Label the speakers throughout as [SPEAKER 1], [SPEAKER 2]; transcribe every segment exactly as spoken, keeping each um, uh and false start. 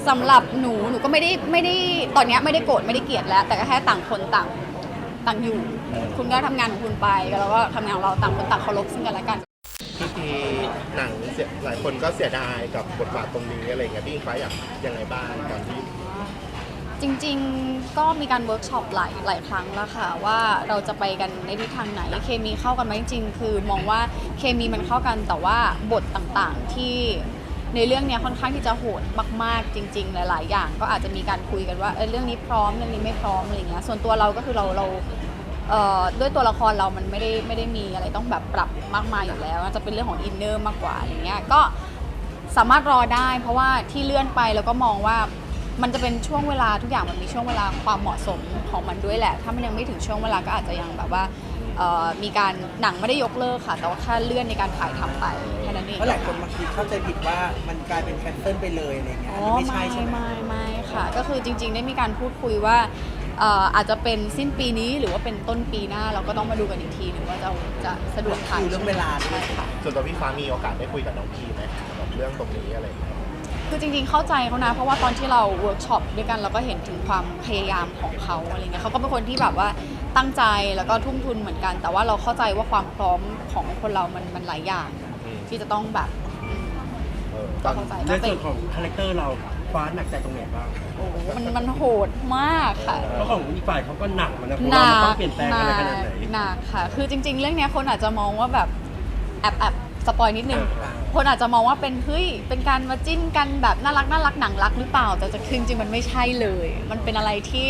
[SPEAKER 1] สำหรับหนูหนูก็ไม่ได้ไม่ได้ตอนนี้ไม่ได้โกรธไม่ได้เกลียดแล้ว แต่ก็แค่ต่างคนต่างต่างอยู่ คุณก็ทำงานของคุณไปแล้วก็ทำงานของเราต่างคนต่างเคารพซึ่งกันและกัน
[SPEAKER 2] พี่พีหนังเสียหลายคนก็เสียดายกับบทบาทตรงนี้อะไรเงี้ยพี่อิงฟ้าอยากยังไงบ้างตอนที่
[SPEAKER 1] จริงๆก็มีการเวิร์กช็อปหลายหลายครั้งแล้วค่ะว่าเราจะไปกันในทิศทางไหนเคมีเข้ากันไหมจริงๆคือมองว่าเคมีมันเข้ากันแต่ว่าบทต่างๆที่ในเรื่องนี้ค่อนข้างที่จะโหดมากๆจริงๆหลายๆอย่างก็อาจจะมีการคุยกันว่าเออเรื่องนี้พร้อมเรื่องนี้ไม่พร้อมอะไรเงี้ยส่วนตัวเราก็คือเราเราด้วยตัวละครเรามันไม่ได้ไม่ได้มีอะไรต้องแบบปรับมากมายอยู่แล้วจะเป็นเรื่องของอินเนอร์มากกว่าอะไรเงี้ยก็สามารถรอได้เพราะว่าที่เลื่อนไปแล้วก็มองว่ามันจะเป็นช่วงเวลาทุกอย่างมันมีช่วงเวลาความเหมาะสมของมันด้วยแหละถ้ามันยังไม่ถึงช่วงเวลาก็อาจจะยังแบบว่ามีการหนังไม่ได้ยกเลิกค่ะแต่ว่าแค่เลื่อนในการถ่ายทำไปแค่นั้นเอง
[SPEAKER 3] เพราะหลายคนบางทีเข้าใจผิดว่ามันกลายเป็นแคนเซิลไปเลยอะไรเงี้ยไม่ใช่ใช่ไหม
[SPEAKER 1] ไม่ไม่ค่ะก็คือจริงๆได้มีการพูดคุยว่าอาจจะเป็นสิ้นปีนี้หรือว่าเป็นต้นปีหน้าเราก็ต้องมาดูกันอีกทีหรือว่าจะจะสะดวกถ่าย
[SPEAKER 3] เรื่องเวลาใช่
[SPEAKER 1] ค่ะ
[SPEAKER 2] ส่วนตัวพี่ฟ้ามีโอกาสได้คุยกับน้องพีไหมกับเรื่องตรงนี้อะไร
[SPEAKER 1] คือจริงๆเข้าใจเขานะเพราะว่าตอนที่เราเวิร์กช็อปด้วยกันเราก็เห็นถึงความพยายามของเขาอะไรเงี้ยเขาก็เป็นคนที่แบบว่าตั้งใจแล้วก็ทุ่มทุนเหมือนกัน แต่ว่าเราเข้าใจว่าความพร้อมของคนเรามันมันหลายอย่างที่จะต้องแบบ
[SPEAKER 4] ก็เข้าใจในส่วนของคาแรคเตอร์เราฟ้าหนักใจตรงไหนบ้าง
[SPEAKER 1] โอ้มันมันโหดมากค่ะ
[SPEAKER 4] เพราะของอีกฝ่ายเขาก็หนักมันนะเพราะว่ามันต้องเปลี่ยนแปลงอะไรขนาดไหน
[SPEAKER 1] หนักค่ะคือจริงๆเรื่องนี้คนอาจจะมองว่าแบบแอบแอบสปอยนิดนึงคนอาจจะมองว่าเป็นเฮ้ยเป็นการมาจิ้นกันแบบน่ารักน่ารักหนังรักหรือเปล่าแต่จริงๆมันไม่ใช่เลยมันเป็นอะไรที่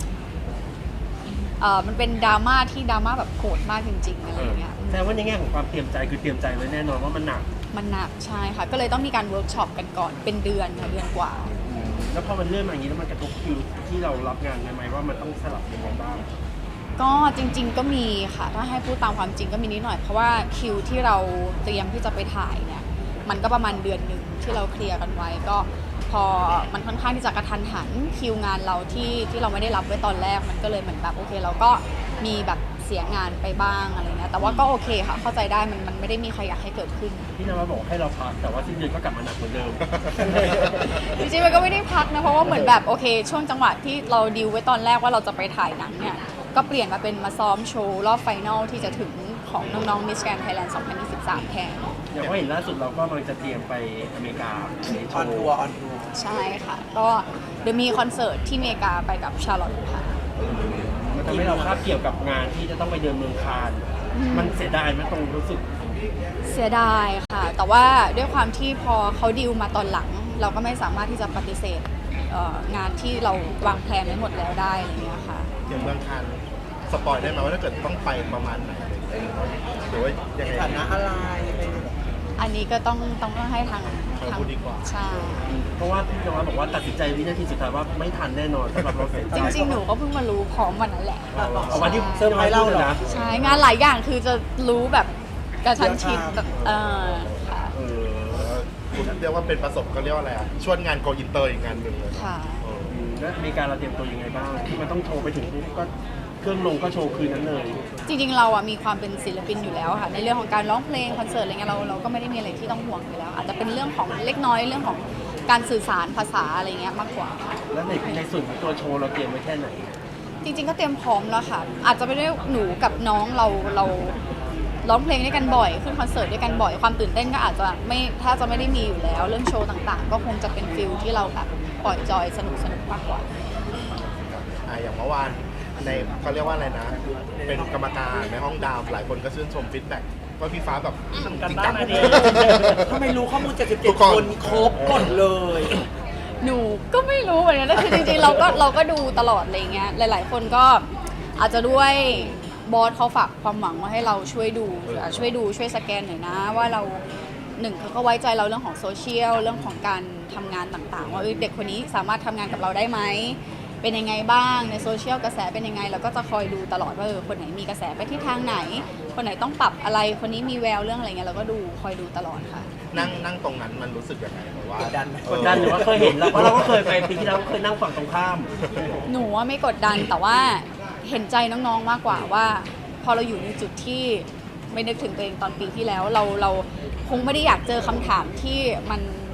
[SPEAKER 1] เออมันเป็นดราม่าที่ดราม่าแบบโหดมากจริงๆอะไรอย่างเงี้ย
[SPEAKER 4] แต่ว่าในแง่ของความเตรียมใจคือเตรียมใจไว้แน่นอนว่ามันหนัก
[SPEAKER 1] มันหนักใช่ค่ะก็เลยต้องมีการเวิร์กช็อปกันก่อนเป็นเดือนค่ะเดือนกว่า
[SPEAKER 4] แล้วพอมันเลื่อนมาอย่างนี้แล้วมันกระทบคิวที่เรารับงานไหมว่ามันต้องสลับยังไงบ้าง
[SPEAKER 1] ก็จริงๆก็มีค่ะถ้าให้พูดตามความจริงก็มีนิดหน่อยเพราะว่าคิวที่เราเตรียมที่จะไปถ่ายเนี่ยมันก็ประมาณเดือนหนึ่งที่เราเคลียร์กันไว้ก็พอมันค่อนข้างที่จะกระทันหันคิวงานเราที่ที่เราไม่ได้รับไว้ตอนแรกมันก็เลยเหมือนแบบโอเคเราก็มีแบบเสียงานไปบ้างอะไรเงี้ยแต่ว่าก็โอเคค่ะเข้าใจได้มันมันไม่ได้มีใครอยากให้เกิดขึ้น
[SPEAKER 4] พี่นวัดบอกให้เราพักแต่ว่าสิ้นเดือนก็กลับมาหนักเหมือนเดิม
[SPEAKER 1] จริงๆมันก็ไม่ได้พักนะเพราะว่าเหมือนแบบโอเคช่วงจังหวะที่เราดีลไว้ตอนแรกว่าเราจะไปถ่ายหนังเนี่ยก็เปลี่ยนมาเป็นมาซ้อมโชว์รอบไฟนอลที่จะถึงของน้องๆ Miss Grand Thailand สองพันยี่สิบสามแทน
[SPEAKER 4] อย่างว่าเห็นล่าสุดเราก็กำลังจะเตรียมไปอเมริกา
[SPEAKER 3] ออนทัวร์ออนทัวร์
[SPEAKER 1] ใช่ค่ะก็เดี๋ยวมีคอนเสิร์ตที่อเมริกาไปกับชาร์ลอตค่ะ
[SPEAKER 4] มันทำให้เราคาบเกี่ยวกับงานที่จะต้องไปเดินเมืองคานมันเสียดายไหมตรงรู้สึก
[SPEAKER 1] เสียดายค่ะแต่ว่าด้วยความที่พอเขาดีลมาตอนหลังเราก็ไม่สามารถที่จะปฏิเสธงานที่เราวางแผนไว้หมดแล้วได้อะไรเงี้ยค่ะ
[SPEAKER 2] อย่างเมืองคานสปอยได้ไหมว่าถ้าเกิดต้องไปประมาณไหนหรือว่ายังไง
[SPEAKER 3] ฐานะอะไร
[SPEAKER 1] อันนี้ก็ต้องต้องให้ทาง
[SPEAKER 2] ทางพูดดีกว่า
[SPEAKER 1] ใช่
[SPEAKER 4] เพราะว่าพี่นวัดบอกว่าตัดสินใจวินาทีสุดท้ายว่าไม่ทันแน่นอนสำหรับเราเสียใจ
[SPEAKER 1] จริงๆหนูก็เพิ่งมารู้พร้อมวันนั้นแหละ
[SPEAKER 4] เอาวันที่เซอร์ไพรส์เราเหรอ
[SPEAKER 1] ใช่งานหลายอย่างคือจะรู้แบบกระชั้นชิดแบบเออค่ะ
[SPEAKER 2] เออคุณเรียกว่าเป็นประสบก็เรียกว่าอะไรอ่ะชวนงานโกอินเตอร์อีกงานหนึ่งเลย
[SPEAKER 1] ค่ะ
[SPEAKER 4] แล้วมีการเราเตรียมตัวยังไงบ้างที่มันต้องโชว์ไปถึงก็เครื่องลงก็โชว์คืนนั้นเลย
[SPEAKER 1] จริงๆเราอ่ะมีความเป็นศิลปินอยู่แล้วค่ะในเรื่องของการร้องเพลงคอนเสิร์ตอะไรเงี้ยเราเราก็ไม่ได้มีอะไรที่ต้องห่วงอยู่แล้วอาจจะเป็นเรื่องของเล็กน้อยเรื่องของการสื่อสารภาษาอะไรเงี้ยมากกว่า
[SPEAKER 4] แล้วในในส่วนของตัวโชว์เราเตรียมไว้แค่ไหน
[SPEAKER 1] จริงๆก็เตรียมพร้อมแล้วค่ะอาจจะไม่ได้หนูกับน้องเราเราร้องเพลงด้วยกันบ่อยขึ้นคอนเสิร์ตด้วยกันบ่อยความตื่นเต้นก็อาจจะไม่ถ้าจะไม่ได้มีอยู่แล้วเรื่องโชว์ต่างๆก็คงจะเป็นฟิลที่เราแบบปล่อยจอยสนุกสนุกมากกว่า
[SPEAKER 2] อ่าอย่างเมื่อวานในเขาเรียกว่าอะไรนะเป็นกรรมการในห้องดาวหลายคนก็ชื่นชมฟีดแบ็กว่าพี่ฟ้าแบบจริงจัง
[SPEAKER 3] ทำไมรู้ข้อมูลเจ็ดสิบเจ็ดคนครบหมดเลย
[SPEAKER 1] หนูก็ไม่รู้เหมือนกันคือจริงๆเราก็เราก็ดูตลอดอะไรเงี้ยหลายๆคนก็อาจจะด้วยบอสเขาฝากความหวังว่าให้เราช่วยดูช่วยดูช่วยสแกนหน่อยนะว่าเราหนึ่งเขาก็ไว้ใจเราเรื่องของโซเชียลเรื่องของการทำงานต่างๆว่าเด็กคนนี้สามารถทำงานกับเราได้ไหมเป็นยังไงบ้างในโซเชียลกระแสเป็นยังไงเราก็จะคอยดูตลอดว่าเออคนไหนมีกระแสไปที่ทางไหนคนไหนต้องปรับอะไรคนนี้มีแววเรื่องอะไรเงี้ยเราก็ดูคอยดูตลอดค่ะ
[SPEAKER 2] นั่งนั่งตรงนั้นมันรู้สึกยังไงแบบว่าก
[SPEAKER 3] ดดัน
[SPEAKER 4] กดดันหรือว่าเคยเห็นแล้วเพราะเราก็เคยไปปีที่แล้วเคยนั่งฝั่งตรงข้าม
[SPEAKER 1] หนูว่าไม่กดดันแต่ว่าเห็นใจน้องๆมากกว่าว่าพอเราอยู่ในจุดที่ไม่นึกถึงตัวเองตอนปีที่แล้วเราเราคงไม่ได้อยากเจอคำถามที่มันโ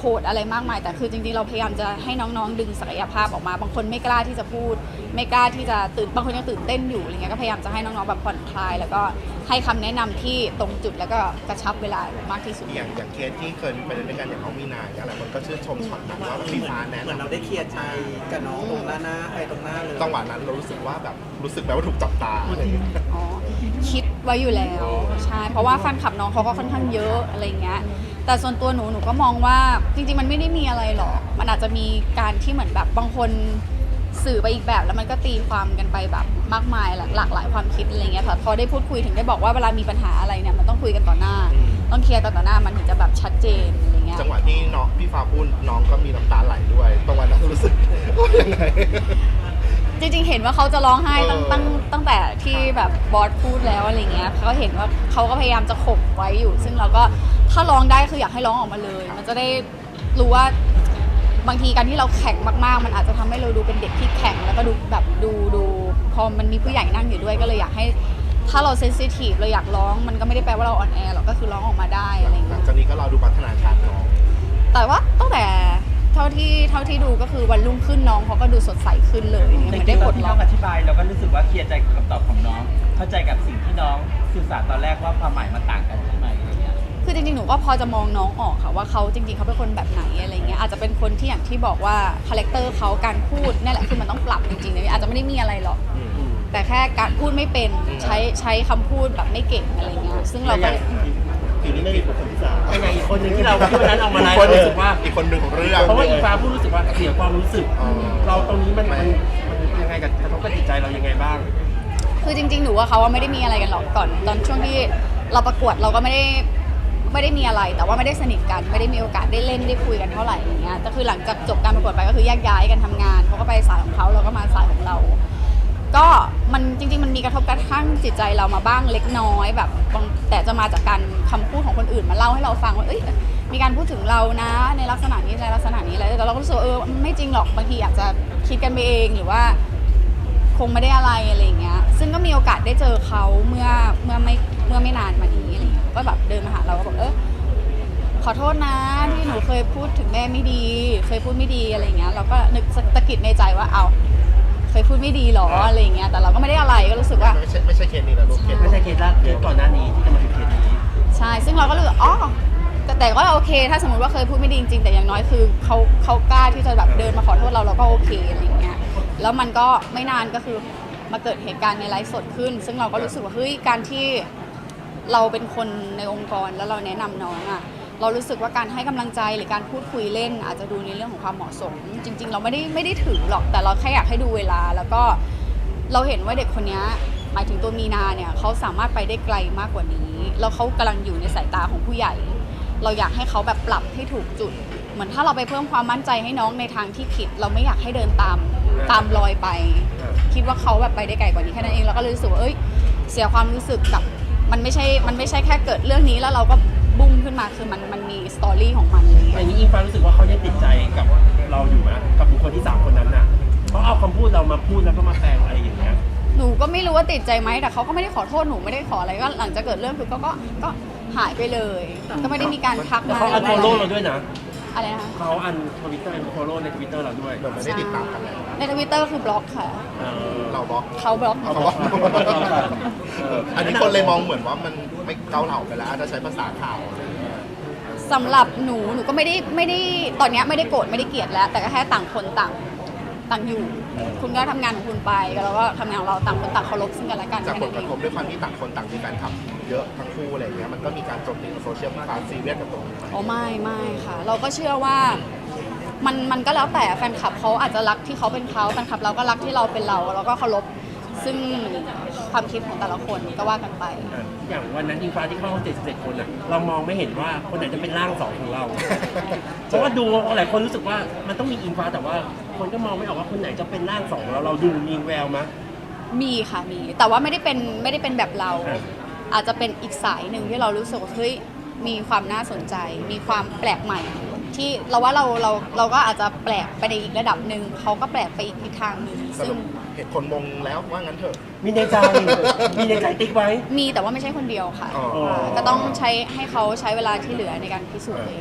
[SPEAKER 1] หดอะไรมากมายแต่คือจริงๆเราพยายามจะให้น้องๆดึงศักยภาพออกมาบางคนไม่กล้าที่จะพูด ไม่กล้าที่จะตื่นบางคนยังตื่นเต้นอยู่อะไรเงี้ยก็พยายามจะให้น้องๆแบบผ่อนคลาย แล้วก็ให้คำแนะนำที่ตรงจุดแล้วก็กระชับเวลามากที่สุด
[SPEAKER 2] อย่างอย่างเคสที่เคยไปเล่นด้วยกันอย่างน้องมีนาอย่างไรคนก็ชื่นชมช็อตนั้นว่าพี่ฟ้าแนะ
[SPEAKER 3] เหมือนเราได้เคลียร์ใจกับน้องตรงหน้าหน้าไอ้ตรงหน้าเลย
[SPEAKER 2] จังหวะนั้นเรารู้สึกว่าแบบรู้สึกแบบว่าถูกจับตาอะไรอย่างเงี้ย
[SPEAKER 1] อ๋อคิดไว้อยู่แล้วใช่เพราะว่าแฟนคลับน้องเขาก็ค่อนข้างเยอะอะไรเงี้ยแต่ส่วนตัวหนูหนูก็มองว่าจริงๆมันไม่ได้มีอะไรหรอกมันอาจจะมีการที่เหมือนแบบบางคนสื่อไปอีกแบบแล้วมันก็ตีความกันไปแบบมากมายหลากหลายความคิดอะไรเงี้ยค่ะพอได้พูดคุยถึงได้บอกว่าเวลามีปัญหาอะไรเนี่ยมันต้องคุยกันต่อหน้า ต้องเคลียร์กันต่อหน้ามันถึงจะแบบชัดเจนอะไรเงี้ย
[SPEAKER 2] จังหวะที่น้องพี่ฟ้าพูดน้องก็มีน้ำตาไหลด้วยตรงวันนั้นรู้สึกว่ายังไง
[SPEAKER 1] จริงๆ เห็นว่าเขาจะร้องไห้ตั้ง
[SPEAKER 2] เออ
[SPEAKER 1] ตั้งตั้งแต่ที่แบบบอสพูดแล้วอะไรเงี้ยเขาเห็นว่าเขาก็พยายามจะข่มไว้อยู่ ซึ่งเราก็ถ้าร้องได้คืออยากให้ร้องออกมาเลย มันจะได้รู้ว่าบางทีการที่เราแข็งมากๆ มันอาจจะทำให้เราดูเป็นเด็กที่แข็งแล้วก็ดูแบบดูดูพอมันมีผู้ใหญ่นั่งอยู่ด้วยก็เลยอยากให้ถ้าเราเซนซิทีฟเราอยากร้องมันก็ไม่ได้แปลว่าเราอ่อนแอหรอกก็คือร้องออกมาได้อะไร
[SPEAKER 2] หลั
[SPEAKER 1] เงี้
[SPEAKER 2] ง
[SPEAKER 1] ย
[SPEAKER 2] จากนี้ก็เราดูพัฒนาการน้อง
[SPEAKER 1] แต่ว่าตั้งแต่เท่าที่เท่าที่ดูก็คือวันรุ่งขึ้นน้องเขาก็ดูสดใสขึ้นเลยเหมือนได้ปลด
[SPEAKER 5] ที่
[SPEAKER 1] ล็
[SPEAKER 5] น้
[SPEAKER 1] อ
[SPEAKER 5] อก งอธิบายเราก็รู้สึกว่าเคลียร์ใจกับคำตอบของน้อง เข้าใจกับสิ่งที่น้องสื่อสารตอนแรกว่าความหมายมันต่างกันใช่ไหมอะไรเงี้ย
[SPEAKER 1] คือจริงๆ หนูก็พอจะมองน้องออกค่ะว่าเขาจริงๆ เขาเป็นคนแบบไหนอะไรเงี้ยอาจจะเป็นคนที่อย่างที่บอกว่าคาแรคเตอร์เขาการพูดนี่แหละคือมันต้องปรับจริงๆเลยอาจจะไม่ได้มีอะไรหรอก แต่แค่การพูดไม่เป็นใช้ใช้คำพูดแบบไม่เก่งอะไรเงี้ยซึ่งเราก็
[SPEAKER 4] ทีนี้ไม่มีบุคคลที่สามเป็นไงอีกคนหนึ่งที่เราที่วันนั้นเอามาไลฟ์
[SPEAKER 2] คนหนึ่ง
[SPEAKER 4] รู้สึกว่า
[SPEAKER 2] อีกคนหนึ่งของเรื่อง
[SPEAKER 4] เพราะว่าอีฟ้าพูดรู้สึกว่าเสียความรู้สึก
[SPEAKER 2] อ๋อ
[SPEAKER 4] เราตรงนี้มันมันมันยังไงกับกระทบกับจิตใจเรายังไงบ้าง
[SPEAKER 1] คือจริงๆ หนูว่าเขาว่าไม่ได้มีอะไรกันหรอกก่อนตอนช่วงที่เราประกวดเราก็ไม่ได้ไม่ได้มีอะไร แต่ว่าไม่ได้สนิทกันไม่ได้มีโอกาสได้เล่นได้คุยกันเท่าไหร่อย่างเงี้ยแต่คือหลังจากจบการประกวดไปก็คือแยกย้ายกันทำงานเขาก็ไปสายของเขาเราก็มาสายของเรา ก็มันจริงๆ มันมีกระทบกระทั่งจิตใจเรามาบ้างเล็กน้อยแบบบางแต่จะมาจากการคำพูดของคนอื่นมาเล่าให้เราฟังว่าเอ้ยมีการพูดถึงเรานะในลักษณะนี้ในลักษณะนี้อะไรแต่เราก็รู้สึกว่าเออไม่จริงหรอกบางทีอาจจะคิดกันไปเองหรือว่าคงไม่ได้อะไรอะไรอย่างเงี้ยซึ่งก็มีโอกาสได้เจอเขาเมื่อเมื่อไม่เมื่อไม่นานมานี้อะไรเงี้ยก็แบบเดินมาหาเราก็บอกเออขอโทษนะที่หนูเคยพูดถึงแม่ไม่ดี เคยพูดไม่ดีอะไรเงี้ยเราก็นึกตะกิดในใจว่าเอาเคยพูดไม่ดีหรออะไรเงี้ยแต่เราก็ไม่ได้อะไรก็รู้สึกว่า
[SPEAKER 2] ไม่ใช่ไม่ใช่เคสนี้นะลูกเคส
[SPEAKER 4] ไม่ใช่เคสแรกเคสก่อนหน้านี้ที่จะมาถึงเคสนี้
[SPEAKER 1] ใช่ซึ่งเราก็รู้สึกอ๋อแต่แต่ก็โอเค ถ้าสมมติว่าเคยพูดไม่ดีจริงๆแต่อย่างน้อยคือเขาเขากล้าที่จะแบบเดินมาขอโทษเราเราก็โอเคอะไรเงี้ยแล้วมันก็ไม่นานก็คือมาเกิดเหตุการณ์ในไลฟ์สดขึ้น ซึ่งเราก็รู้สึกว่าเฮ้ยการที่เราเป็นคนในองค์กรแล้วเราแนะนำน้องอ่ะเรารู้สึกว่าการให้กำลังใจหรือการพูดคุยเล่น อาจจะดูในเรื่องของความเหมาะสม จริง ๆ เราไม่ได้ไม่ได้ถือหรอกแต่เราแค่อยากให้ดูเวลา แล้วก็เราเห็นว่าเด็กคนนี้หมายถึงตัวมีนาเนี่ยเขาสามารถไปได้ไกลมากกว่านี้แล้วเขากำลังอยู่ในสายตาของผู้ใหญ่ เราอยากให้เขาแบบปรับให้ถูกจุด เหมือนถ้าเราไปเพิ่มความมั่นใจให้น้องในทางที่ผิด เราไม่อยากให้เดินตามตามรอยไป คิดว่าเขาแบบไปได้ไกลกว่านี้แค่นั้นเองเราก็เลยรู้สึกว่าเอ้ยเสียความรู้สึกกับมันไม่ใช่มันไม่ใช่แค่เกิดเรื่องนี้แล้วเราก็บุ้มขึ้นมาคือมันมันมีสตอรี่ของมันอะไรอย่าง
[SPEAKER 4] อ
[SPEAKER 1] เงี้ย
[SPEAKER 4] ย่างนี้อิงฟ้ารู้สึกว่าเขายังติดใจกับเราอยู่ไหมกับบุคคลที่สามคนนั้นน่ะเขาเอาคำพูดเรามาพูดแล้วก็มาแปลงอะไรอย่างเงี้ย
[SPEAKER 1] หนูก็ไม่รู้ว่าติดใจไหมแต่เขาก็ไม่ได้ขอโทษหนูไม่ได้ขออะไรก็หลังจากเกิดเรื่องคือเขาก็ก็หายไปเลย ก็ไม่ได้มีการทัก
[SPEAKER 4] แต่
[SPEAKER 1] มา
[SPEAKER 4] เขาอันโฟโล่เราด้วยนะ
[SPEAKER 1] อะไรนะคะ
[SPEAKER 4] เขาอันทวิตเตอร์อันโฟโล่ในทวิตเตอร์เราด้วย
[SPEAKER 2] เหมือนไม่ได้ติดตามกันแล้ว
[SPEAKER 1] ในทวิตเตอร์คือบล็อกค่ะ
[SPEAKER 4] เออ
[SPEAKER 2] เราบล็อก
[SPEAKER 1] เขาบล็อก
[SPEAKER 2] เขาบล็อกอันนี้คนเลยมองเหมือนว่ามันไม่เกาเหลาไปแล้วอาจจะใช้ภาษาข่าวอะไรอย่างเงี้ย
[SPEAKER 1] สำหรับหนูหนูก็ไม่ได้ไม่ได้ตอนเนี้ยไม่ได้โกรธไม่ได้เกลียดแล้ว แต่ก็แค่ต่างคนต่างต่างอยู่ คุณก็ทำงานของคุณไปแล้วก็ทำงานของเราต่างคนต่างเคารพซึ่งกันและกัน
[SPEAKER 2] จาก
[SPEAKER 1] แค่
[SPEAKER 2] ผ
[SPEAKER 1] นั้
[SPEAKER 2] ล
[SPEAKER 1] น
[SPEAKER 2] ก
[SPEAKER 1] เอ
[SPEAKER 2] ระ
[SPEAKER 1] ง
[SPEAKER 2] ทบด้วยความที่ต่างคนต่างมีการทำเยอะทั้งคู่อะไรอย่างเงี้ยมันก็มีการโจมตีในโซเชียลมีการซีเรียสกับตรงนี้ไหม
[SPEAKER 1] อ๋อไม่ไม่ค่ะ เราก็เชื่อว่ามันมันก็แล้วแต่แฟนคลับเขาอาจจะรักที่เขาเป็นเขาแฟนคลับเราก็รักที่เราเป็นเราเราก็เคารพซึ่งความคิดของแต่ละคนก็ว่ากันไป
[SPEAKER 4] อ่ะอย่างวันนั้นอิงฟ้าที่เข้าเจ็ดสิบเจ็ดคนอ่ะเรามองไม่เห็นว่าคนไหนจะเป็นร่างสองของเรา เพราะว่าดูหลายคนรู้สึกว่ามันต้องมีอิงฟ้าแต่ว่าคนก็มองไม่ออกว่าคนไหนจะเป็นร่างสองของเราเราดูมีแววมั้ย
[SPEAKER 1] มีค่ะมีแต่ว่าไม่ได้เป็นไม่ได้เป็นแบบเรา
[SPEAKER 4] อ่า
[SPEAKER 1] อาจจะเป็นอีกสายหนึ่งที่เรารู้สึกว่าเฮ้ยมีความน่าสนใจ มีความแปลกใหม่ ที่เราว่าเราเราเราก็อาจจะแปลกไปในอีกระดับหนึ่งเขาก็แปลกไปอีกทิศทางหนึ่ง
[SPEAKER 2] ส
[SPEAKER 1] ซึ่
[SPEAKER 2] รุ
[SPEAKER 1] ง
[SPEAKER 2] ปเห็นคนมงแล้วว่างั้นเถอะ
[SPEAKER 4] มีในใจ มีในใจติ๊กไว้
[SPEAKER 1] มีแต่ว่าไม่ใช่คนเดียวค่ะ
[SPEAKER 2] อ๋อ
[SPEAKER 1] าก็ต้องใช้ให้เขาใช้เวลาที่เหลือในการพิสูจน์เอง
[SPEAKER 2] จ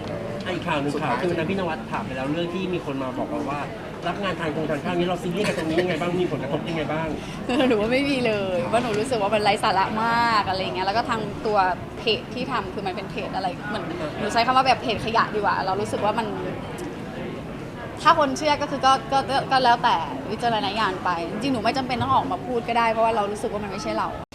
[SPEAKER 4] อ่ะอีกข่าวหนึ่งข่าวคือวันนั้นพี่นวัดถามไปแล้วเรื่องที่มีคนมาบอกเราว่า รับงานทางโครงการข้าวนี้เราซีเรียสกับตรงนี้ยังไงบ้างมีผลกระทบยังไงบ้าง
[SPEAKER 1] หนูว่าไม่มีเลยว่าหนูรู้สึกว่ามันไร้สาระมากอะไรเงี้ยแล้วก็ทางตัวเพจที่ทำคือมันเป็นเพจอะไรเหมือนหนูใช้คำว่าแบบเพจขยะดีกว่า เรารู้สึกว่ามัน ถ้าคนเชื่อก็คือก็ก็ก็ก็แล้วแต่วิจารณญาณไป จริงๆหนูไม่จำเป็นต้องออกมาพูดก็ได้เพราะว่าเรารู้สึกว่ามันไม่ใช่เรา